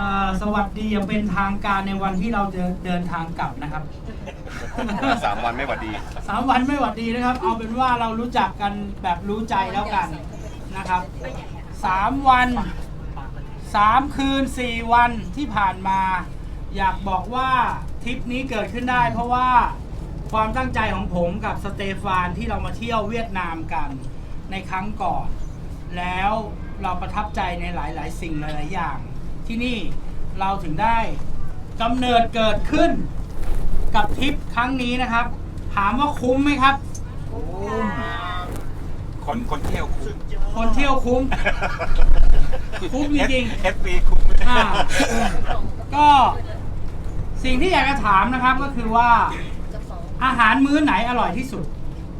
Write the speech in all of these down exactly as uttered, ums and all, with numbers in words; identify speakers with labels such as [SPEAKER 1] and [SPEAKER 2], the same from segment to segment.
[SPEAKER 1] สวัสดีอย่างเป็นทางการในวันที่เราจะเดินทางกลับนะครับ
[SPEAKER 2] สามวันไม่หวัดดี
[SPEAKER 1] สามวันไม่หวัดดีนะครับเอาเป็นว่าเรารู้จักกันแบบรู้ใจแล้วกันนะครับสามวันสามคืนสี่วันที่ผ่านมาอยากบอกว่าทริปนี้เกิดขึ้นได้เพราะว่าความตั้งใจของผมกับสเตฟานที่เรามาเที่ยวเวียดนามกันในครั้งก่อนแล้วเราประทับใจในหลายๆสิ่งหลายๆอย่างที่นี่เราถึงได้กำเนิดเกิดขึ้นกับทริปครั้งนี้นะครับถามว่าคุ้มไหมครับ
[SPEAKER 2] คนคนเที่ยวคุ้ม
[SPEAKER 1] คนเที่ยวคุ้มคุ้มจริง
[SPEAKER 2] ๆ เอฟ บี คุ้ม
[SPEAKER 1] ก็สิ่งที่อยากจะถามนะครับก็คือว่าอาหารมื้อไหนอร่อยที่สุด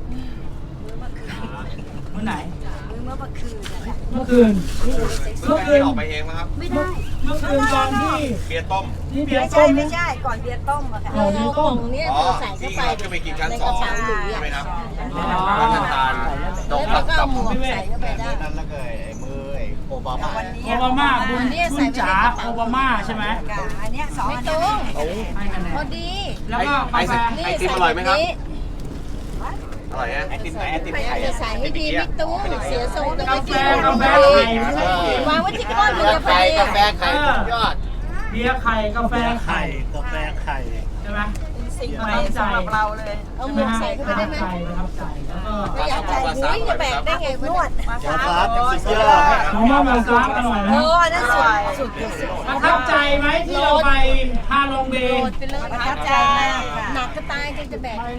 [SPEAKER 1] มื้อไหน
[SPEAKER 3] มื้อเมื่อคืน
[SPEAKER 1] เมื่อคืน
[SPEAKER 2] เมื่อคืนออกไปเองไหมครับ
[SPEAKER 3] ไม่ได้
[SPEAKER 1] เมื่อคืนตอนที่
[SPEAKER 2] เบียร์ต้ม
[SPEAKER 1] ที่เบียร์
[SPEAKER 3] ต้
[SPEAKER 1] ม
[SPEAKER 3] ไม่ใช่ก่อนเบียร์ต้มอะค่ะ
[SPEAKER 1] ก่อนเบียร์ต้ม
[SPEAKER 3] เนี่ยใส่เข้าไป
[SPEAKER 2] จะไปกินชั้นสองใช่ไหมครับ
[SPEAKER 1] รั
[SPEAKER 2] ฐทาน
[SPEAKER 3] ดอกแล้วก็เอาหมูใส่เข้าไปได้
[SPEAKER 2] นั่นแล้วก็ไอ้มือไอ้โอบามา
[SPEAKER 1] โอบามาบุญบุญจ๋าโอบามาใช่ไหม
[SPEAKER 3] อันนี้สองอันนี้
[SPEAKER 1] ให้คะแนน
[SPEAKER 3] พอดี
[SPEAKER 1] แล้วก็กาแฟ
[SPEAKER 2] ไอติมอร่อยไหมครับอร่อยนะไอติมไหนไอติมไข่
[SPEAKER 3] จะใส่ให้ดีพี่ตู้เสียทรงจะ
[SPEAKER 1] กา
[SPEAKER 3] ไม่
[SPEAKER 1] แฟ
[SPEAKER 3] กิน
[SPEAKER 1] กาแฟไข่
[SPEAKER 3] วางไว้ที่ก้อนมันจะไป
[SPEAKER 2] กาแฟไข่สุดยอด
[SPEAKER 1] เบียร์ไข่กาแฟไข่
[SPEAKER 4] กาแฟไข่
[SPEAKER 1] ใช่ไหม
[SPEAKER 3] สิ่งใหม่สำหรับเราเลยเอาหมูใส่เข้าไปได้ไหม
[SPEAKER 1] ประทับใจแล้วก็
[SPEAKER 3] อยากใส่หมูจะแบ่งได้ไงนวด
[SPEAKER 4] มาซับสุดยอด
[SPEAKER 1] น้องว่ามาซับอร่อยนะ
[SPEAKER 3] โอ้นั่นสุดสุด
[SPEAKER 1] ประทับใจไหมที่เราไปฮาลงเบย์
[SPEAKER 3] ประทับใจหนักก็ตายจนจะแบ่ง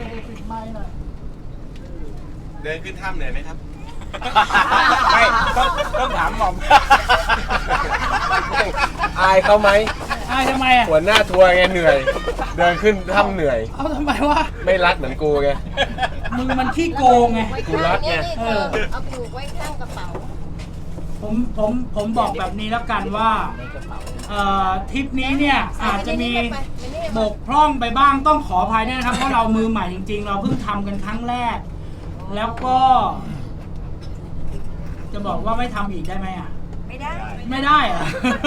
[SPEAKER 2] เดินขึ้นถ้ำเหนื่อยไหมครับไม่ต้องต้องถามหม่อมอายเขาไหม
[SPEAKER 1] อายทำไมอ่ะ
[SPEAKER 2] หัวหน้าทัวร์ไงเหนื่อยเดินขึ้นถ้ำเหนื่อย
[SPEAKER 1] เอาทำไมวะ
[SPEAKER 2] ไม่รักเหมือนกูไง
[SPEAKER 1] มึงมันขี้โกงไง
[SPEAKER 2] กูรักไง
[SPEAKER 3] เอาผูกไว้ข้างกระเป๋า
[SPEAKER 1] ผมผมผมบอกแบบนี้แล้วกันว่าเอ่อทริปนี้เนี่ยอาจจะมีบกพร่องไปบ้างต้องขออภัยด้วยนะครับเพราะเรามือใหม่จริงๆเราเพิ่งทำกันครั้งแรกแล้วก็จะบอกว่าไม่ทำอีกได้ไหมอ่ะ
[SPEAKER 3] ไม่ได้
[SPEAKER 1] ไม่ได้อ่ะ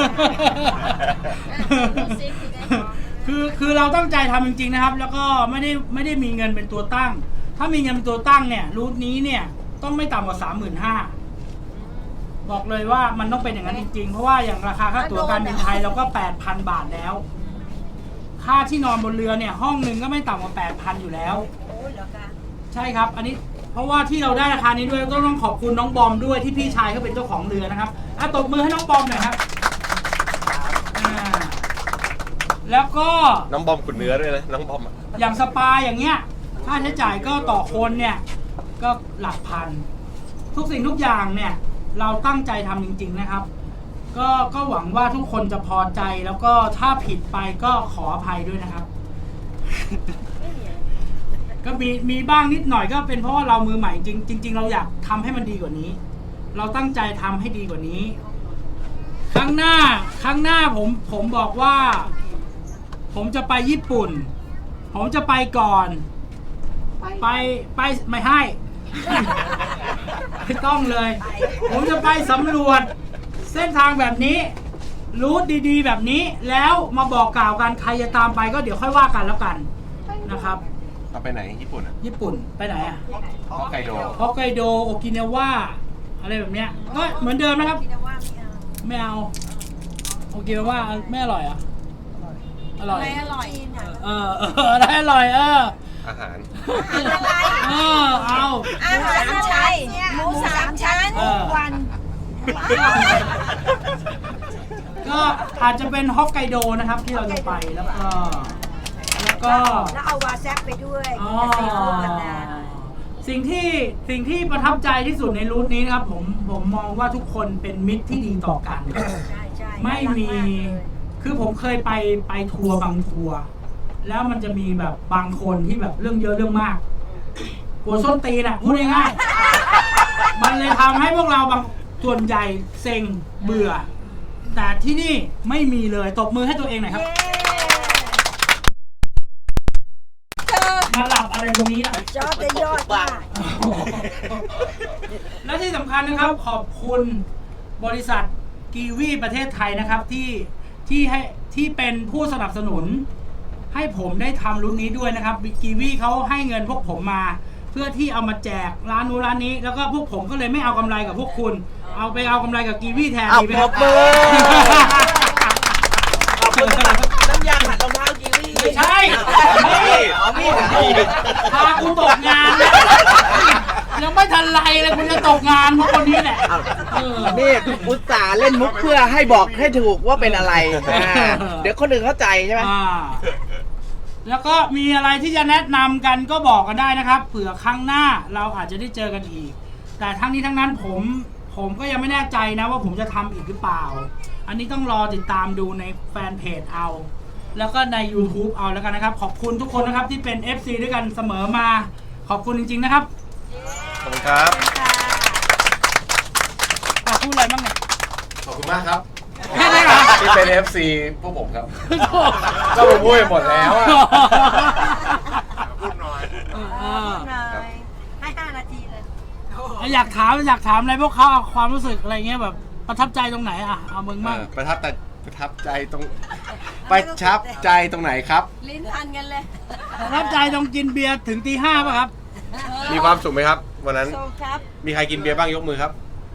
[SPEAKER 1] คือคือเราตั้งใจทำจริงๆนะครับแล้วก็ไม่ได้ไม่ได้มีเงินเป็นตัวตั้งถ้ามีเงินเป็นตัวตั้งเนี่ยรูทนี้เนี่ยต้องไม่ต่ำกว่าสามหมื่นห้าบอกเลยว่ามันต้องเป็นอย่างนั้นจริงๆเพราะว่าอย่างราคาค่าตั๋วการบินไทยเราก็แปดพันบาทแล้วค่าที่นอนบนเรือเนี่ยห้องหนึ่งก็ไม่ต่ำกว่าแปดพันอยู่แล้วใช่ครับอันนี้เพราะว่าที่เราได้ราคานี้ด้วยก็ต้องขอบคุณน้องบอมด้วยที่พี่ชายเขาเป็นเจ้าของเรือนะครับอ่ะตบมือให้น้องบอมหน่อยครับแล้วก็
[SPEAKER 2] น้องบอมขุนเนื้อด้วยนะน้องบอม
[SPEAKER 1] อย่างสปาอย่างเงี้ยค่าใช้จ่ายก็ต่อคนเนี่ยก็หลักพันทุกสิ่งทุกอย่างเนี่ยเราตั้งใจทำจริงๆนะครับก็ก็หวังว่าทุกคนจะพอใจแล้วก็ถ้าผิดไปก็ขออภัยด้วยนะครับก็มีมีบ้างนิดหน่อยก็เป็นเพราะว่าเรามือใหม่จริงจริงๆเราอยากทำให้มันดีกว่านี้เราตั้งใจทำให้ดีกว่านี้ครั้งหน้าครั้งหน้าผมผมบอกว่าผมจะไปญี่ปุ่นผมจะไปก่อนไปไปไม่ให้ไม่ต้องเลยผมจะไปสำรวจเส้นทางแบบนี้รูทดีๆแบบนี้แล้วมาบอกกล่าวกันใครจะตามไปก็เดี๋ยวค่อยว่ากันแล้วกันนะครับ
[SPEAKER 2] เราไปไหนญี่ปุ่นอ่ะ
[SPEAKER 1] ญี่ปุ่นไปไหนอ่ะ
[SPEAKER 2] ฮอกไกโด
[SPEAKER 1] ฮอกไกโดโอกินาวาอะไรแบบเนี้ยก็เหมือนเดิมนะครับไม่เอาโอกินาวาไม่อร่อยอ่ะอร่อย
[SPEAKER 3] ไม่อร่อย
[SPEAKER 1] เออเอออะไรอร่อยเออ
[SPEAKER 2] อาหาร
[SPEAKER 3] อะไร
[SPEAKER 1] เออเอา
[SPEAKER 3] อาหารไทยหมูสามชั้นวัน
[SPEAKER 1] ก็อาจจะเป็นฮอกไกโดนะครับที่เราจะไปแล้วก็แล้วก็
[SPEAKER 3] แล้วเอาวาแซบไปด้วย
[SPEAKER 1] สิ่งที่สิ่งที่ประทับใจที่สุดในรูทนี้นะครับผมผมมองว่าทุกคนเป็นมิตรที่ดีต่อกันไม่มีคือผมเคยไปไปทัวร์บางทัวร์แล้วมันจะมีแบบบางคนที่แบบเรื่องเยอะเรื่องมากหัวส้นตีนอ่ะพูดง่ายๆมันเลยทำให้พวกเราบางส่วนใหญ่เซ็งเบื่อแต่ที่นี่ไม่มีเลยตบมือให้ตัวเองหน่อยครับมาหลับอะไรตรงนี้นะ
[SPEAKER 3] ยอดยอดมาก
[SPEAKER 1] และที่สำคัญนะครับขอบคุณบริษัทกีวีประเทศไทยนะครับที่ที่ให้ที่เป็นผู้สนับสนุนให้ผมได้ทำรุ่นนี้ด้วยนะครับกีวีเขาให้เงินพวกผมมา เพื่อที่เอามาแจกร้านนู้นร้านนี้แล้วก็พวกผมก็เลยไม่เอากำไรกับพวกคุณ เอาไปเอากำไรกับกีวีแทนดีไหมครับ
[SPEAKER 5] ขอบคุณสำหรับน้ำยาขัดรองเท้ากีวี
[SPEAKER 1] ไม่ใช่
[SPEAKER 5] อ๋อมีด
[SPEAKER 1] พาคุณตกงานนะยังไม่ทันไรเลยคุณจะตกงานเพราะคนนี้แหละเออ
[SPEAKER 5] นี่อุตส่าห์เล่นมุกเพื่อให้บอกให้ถูกว่าเป็นอะไรอ่าเดี๋ยวคนอื่นเข้าใจใช่ไหม
[SPEAKER 1] อ่าแล้วก็มีอะไรที่จะแนะนำกันก็บอกกันได้นะครับเผื่อครั้งหน้าเราอาจจะได้เจอกันอีก แต่ทั้งนี้ทั้งนั้นผมผมก็ยังไม่แน่ใจนะว่าผมจะทำอีกหรือเปล่า อันนี้ต้องรอติดตามดูในแฟนเพจเอา แล้วก็ใน YouTube เอาแล้วกันนะครับขอบคุณทุกคนนะครับที่เป็น เอฟ ซี ด้วยกันเสมอมาขอบคุณจริงๆนะครับ
[SPEAKER 2] ขอบคุณครับ
[SPEAKER 1] ขอบคุณอะไรบ้างเนี่ย
[SPEAKER 2] ขอบคุณมากครับ
[SPEAKER 1] แค่นี้เหรอ
[SPEAKER 2] ที่เป็น เอฟ ซี พวกผมครับ ก็ผมพูดไปหมดแล้วอะ
[SPEAKER 4] พูดหน่อย
[SPEAKER 1] เออ
[SPEAKER 3] หน่อยให้ห้านาทีเลย
[SPEAKER 1] อยากถามอยากถามอะไรพวกเขาเอาความรู้สึกอะไรเงี้ยแบบประทับใจตรงไหนอ่ะเอามึง
[SPEAKER 2] เอ
[SPEAKER 1] มั่ง
[SPEAKER 2] อประทับแต่ประทับใจตรงประทับใจตรงไหนครับ
[SPEAKER 3] ลิ้นพันกันเลย
[SPEAKER 1] ประทับใจตรงกินเบียร์ถึงตีห้าป่ะครับ
[SPEAKER 2] มีความสุขไหมครับ วันนั้น
[SPEAKER 3] โซครับ
[SPEAKER 2] มีใครกินเบียร์บ้างยกมือครับ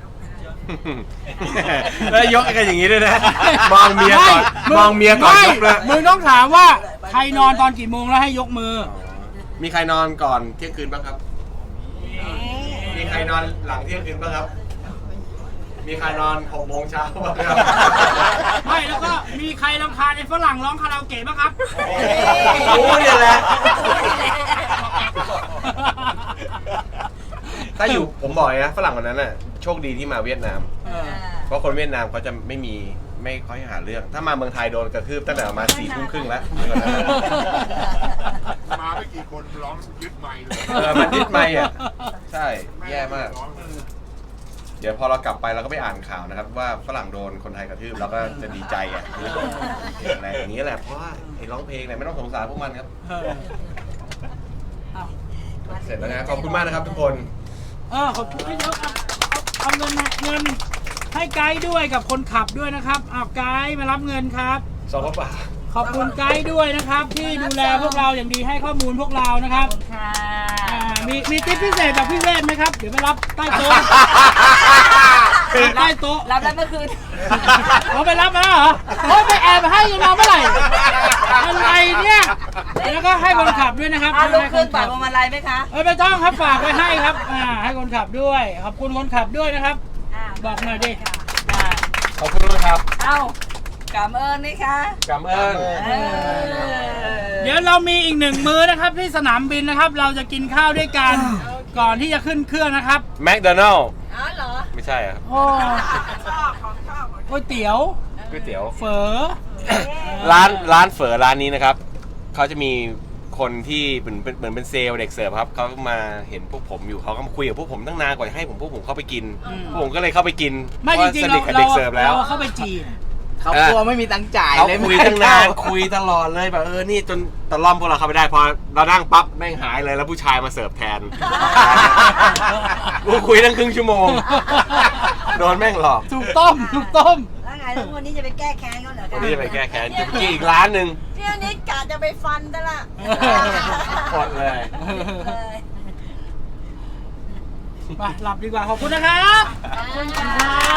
[SPEAKER 2] แล้วยกกันอย่างนี้ด้วยนะ มองเมียก่อน
[SPEAKER 1] ไม่
[SPEAKER 2] มองเมียก่อนยกด้วย
[SPEAKER 1] มึงต้องถามว่าใครนอนตอนกี่โมงแล้วให้ยกมือ
[SPEAKER 2] มีใครนอนก่อนเที่ยงคืนบ้างครับ มีใครนอนหลังเที่ยงคืนบ้างครับ มีใครนอนหกโมงเช้าบ้างครับ
[SPEAKER 1] ไม่แล้วก็มีใครรำคาญไอ้ฝรั่งร้องคาราโอเกะบ้างครับ
[SPEAKER 2] โอ้ยเนี่ยแหละ ถ้าอยู่ผมบอกเลยนะฝรั่งคนนั้นน่ะโชคดีที่มาเวียดนาม
[SPEAKER 1] เออ
[SPEAKER 2] เพราะคนเวียดนามเขาจะไม่มีไม่ค่อยหาเรื่อง ถ้ามาเมืองไทยโดนกระทืบตั้งแต่ประมาณสี่ทุ่มครึ่งแล้ว
[SPEAKER 4] มาไม่กี่คนร้องยึดไมค์เลย
[SPEAKER 2] เออมันยึดไม่อ่ะ ใช่แย่มาก
[SPEAKER 4] ร้องเลย
[SPEAKER 2] เดี๋ยวพอเรากลับไปเราก็ไปอ่านข่าวนะครับ ว่าฝรั่งโดนคนไทยกระทืบเราก็จะดีใจอ่ะอะไรอย่างนี้แหละเพราะว่าไอ้ร้องเพลงเนี่ยไม่ต้องสงสารพวกมันครับ
[SPEAKER 1] เออเอา
[SPEAKER 2] เสร็จแล้วนะขอบคุณมากนะครับทุกคน
[SPEAKER 1] เออขอบคุณเยอะเอาเอาเงินเงินให้ไกด์ด้วยกับคนขับด้วยนะครับเอาไกด์มารับเงินครับ
[SPEAKER 2] สองกระป๋า
[SPEAKER 1] ขอบคุณไกด์ด้วยนะครับ ที่ดูแลพวกเราอย่างดีให้ข้อมูลพวกเรานะครับ
[SPEAKER 3] ค่ะ
[SPEAKER 1] อ่ามีมีทิปพิเศษจากพี่เวทไหมครับ เดี๋ยวไปรับใต้โต๊ะใต้โต๊ะ
[SPEAKER 3] รับแล้วเมื่อคืน
[SPEAKER 1] เขาไปรับมาแล้วเหรอโอ้ยไปแอบให้ยังมาเมื่อไหร่อะไรเนี่ยแล้วก็ให้คนขับด้วยนะครับ
[SPEAKER 3] อ่ะลูก
[SPEAKER 1] ให้
[SPEAKER 3] คืน
[SPEAKER 1] ขั
[SPEAKER 3] ปากพวงมาลัยไหมคะ
[SPEAKER 1] เออไม่ต้องครับฝากไว้ให้ครับอ่าให้คนขับด้วยขอบคุณคนขับด้วยนะครับ
[SPEAKER 3] อ่ะ
[SPEAKER 1] บอกหน่อยดิ
[SPEAKER 3] อ่ะ
[SPEAKER 2] ขอบคุณนะครับ
[SPEAKER 3] เอ้ากำเอิญนี่คะ
[SPEAKER 2] กำเอิญ
[SPEAKER 3] เออ
[SPEAKER 1] เดี๋ยวเรามีอีกหนึ่งมื้อนะครับที่สนามบินนะครับ เราจะกินข้าวด้วยกันก่อนที่จะขึ้นเครื่องนะครับ
[SPEAKER 2] แมคโดนัลล์
[SPEAKER 3] อ๋อเหรอ
[SPEAKER 2] ไม่ใช่ครับ
[SPEAKER 1] โอ้ก๋วยเตี๋ยว
[SPEAKER 2] ก๋วยเตี๋ยว
[SPEAKER 1] เฝอ
[SPEAKER 2] ร้านร้านเฝอร้านนี้นะครับเขาจะมีคนที่เหมือนเป็นเหมือนเป็นเซลล์เด็กเสิร์ฟครับเขามาเห็นพวกผมอยู่เขาก็มาคุยกับพวกผมตั้งนานกว่าจะให้ผมพวกผมเข้าไปกินพวกผมก็เลยเข้าไปกิน
[SPEAKER 1] ไม่
[SPEAKER 2] เพ
[SPEAKER 1] จ
[SPEAKER 2] ราะ
[SPEAKER 1] ริง
[SPEAKER 2] ส
[SPEAKER 1] ๆ
[SPEAKER 2] นิ
[SPEAKER 1] เรา
[SPEAKER 2] ทกับเด็กเสิร์ฟแล้ว
[SPEAKER 1] เราเข้าไปจีบ
[SPEAKER 5] เขากลัวไม่มีตังค์จ่าย
[SPEAKER 2] เขา
[SPEAKER 5] เลย
[SPEAKER 2] คุย
[SPEAKER 5] ไม่ให้
[SPEAKER 2] ตั้งนาน
[SPEAKER 5] เข้
[SPEAKER 2] คุยตลอดเลยแบบเออนี่จนตะล่อมพวกเราเข้าไปได้พอเรานั่งปั๊บแม่งหายเลยแล้วผู้ชายมาเสิร์ฟแทนกูคุยตั้งครึ่งชั่วโมงโดนแม่งหลอก
[SPEAKER 1] ถูกต้มถูกต้ม
[SPEAKER 3] แล้วไงแล้ววันนี้จะไปแก้แค้นเขาเหรอ
[SPEAKER 2] วันนี้จะไปแก้แค้นจะไปกินอีกร้านหนึ่ง
[SPEAKER 3] พี่อนิดกะจะไปฟันซะละ
[SPEAKER 2] หมดเลย
[SPEAKER 3] เออ
[SPEAKER 1] ไปหลับดีกว่าขอบคุณนะครับขอบคุณครับ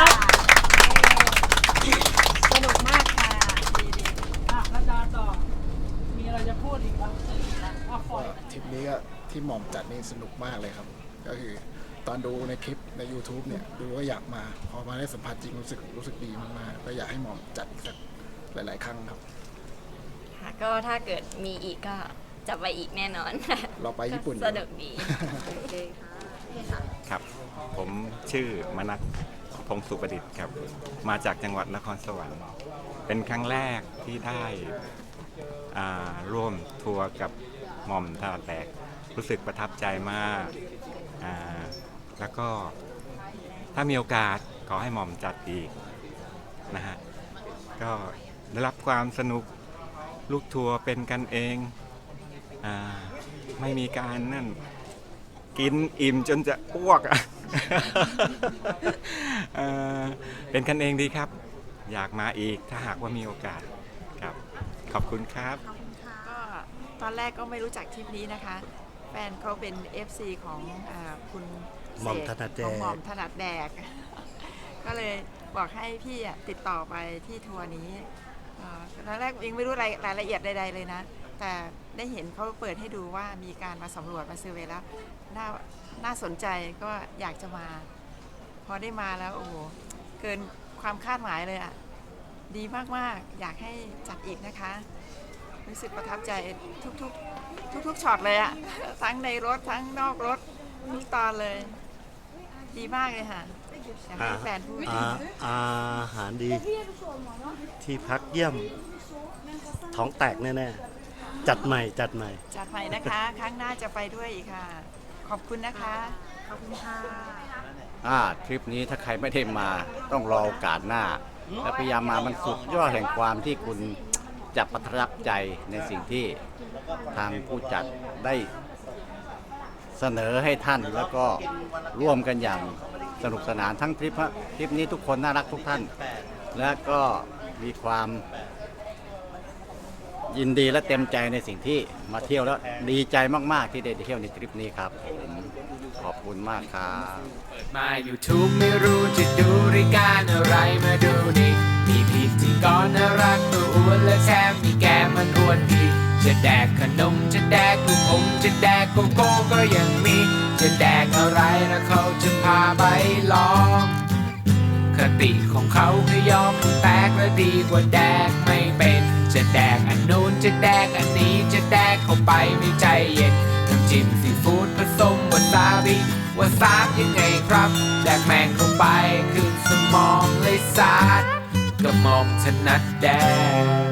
[SPEAKER 3] สนุกมากค่ะ
[SPEAKER 1] อ่ะแล้วดาต่อมีอะไรจะพูดอีกบ้างอ่ะฝอย
[SPEAKER 6] ทริปนี้ก็ที่หม่อมจัดนี่สนุกมากเลยครับ ก็คือตอนดูในคลิปใน YouTube เนี่ยดูก็อยากมา พอมาได้สัมผัสจริงรู้สึกรู้สึกดีมากๆก็อยากให้หม่อมจัดอีกสักหลาย ๆ ครั้งครับ
[SPEAKER 7] ค่ะก็ถ้าเกิดมีอีกก็จะไปอีกแน่นอน
[SPEAKER 6] เราไปญี่ปุ่น
[SPEAKER 7] สนุกดีโอเคค่ะ
[SPEAKER 8] ครับ ผมชื่อมนัสพงศ์สุประดิษฐ์ครับ มาจากจังหวัดนครสวรรค์ เป็นครั้งแรกที่ได้อ่าร่วมทัวร์กับหม่อมท่าแตก รู้สึกประทับใจมากอ่าแล้วก็ถ้ามีโอกาสขอให้หม่อมจัดอีกนะฮะ ก็ได้รับความสนุกลูกทัวร์เป็นกันเองอ่าไม่มีการนั่น กินอิ่มจนจะอ้วกอ่ะ เอ่อเป็นกันเองดีครับอยากมาอีกถ้าหากว่ามีโอกาสครับขอบคุณครับ
[SPEAKER 3] ก็ตอนแรกก็ไม่รู้จักทริปนี้นะคะ แฟนเขาเป็น เอฟ ซี ของอาคุณเสก
[SPEAKER 9] หม่อมถนัดแดก
[SPEAKER 3] ของหม่อมถนัดแดก ก็เลยบอกให้พี่อะติดต่อไปที่ทัวร์นี้เอ่อตอนแรกยังไม่รู้รายรายละเอียดใดๆเลยนะ แต่ได้เห็นเขาเปิดให้ดูว่ามีการมาสำรวจมาเซอร์เวย์แล้วน่าน่าสนใจก็อยากจะมา พอได้มาแล้วโอ้โหเกินความคาดหมายเลยอ่ะ ดีมากๆ อยากให้จัดอีกนะคะ รู้สึกประทับใจทุกๆ ทุกๆช็อตเลยอะทั้งในรถทั้งนอกรถทุกตอนเลย ดีมากเลยค่ะอยากให้แฟนพูด
[SPEAKER 9] อาอาหารดี ที่พักเยี่ยม ท้องแตกแน่ๆ จัดใหม่จัดใหม่
[SPEAKER 3] จัดใหม่นะคะ ครั้งหน้าจะไปด้วยอีกค่ะ ขอบคุณนะคะ ขอบคุณค่ะ
[SPEAKER 10] อ่าทริปนี้ถ้าใครไม่ได้มาต้องรอโอกาสหน้า และพยายามมามันสุดยอดแห่งความที่คุณจะประทับใจในสิ่งที่ทางผู้จัดได้เสนอให้ท่านแล้วก็ร่วมกันอย่างสนุกสนานทั้งทริปฮะทริปนี้ทุกคนน่ารักทุกท่าน และก็มีความยินดีและเต็มใจในสิ่งที่มาเที่ยวแล้วดีใจมากๆที่ได้เที่ยวในทริปนี้ครับผมขอบคุณมากครับ
[SPEAKER 11] มา YouTube ไม่รู้จะดูรายการอะไรมาดูนี่มีพิธีกรน่ารักตัวอ้วนและแถมมีแกมันอ้วนดีจะแดกขนมจะแดกลูกอมจะแดกโกโก้ก็ยังมีจะแดกอะไรนะเขาจะพาไปลองคติของเขาคือยอมแตกและดีกว่าแดกไม่เป็นจะแดกอันนู้นจะแดกอันนี้จะแดกเข้าไปไม่ใจเย็นน้ำจิ้มซีฟู้ดผสมวาซาบิวาซาบยังไงครับแดกแมงเข้าไปขึ้นสมองเลยสาดกระหม่อมถนัดแดก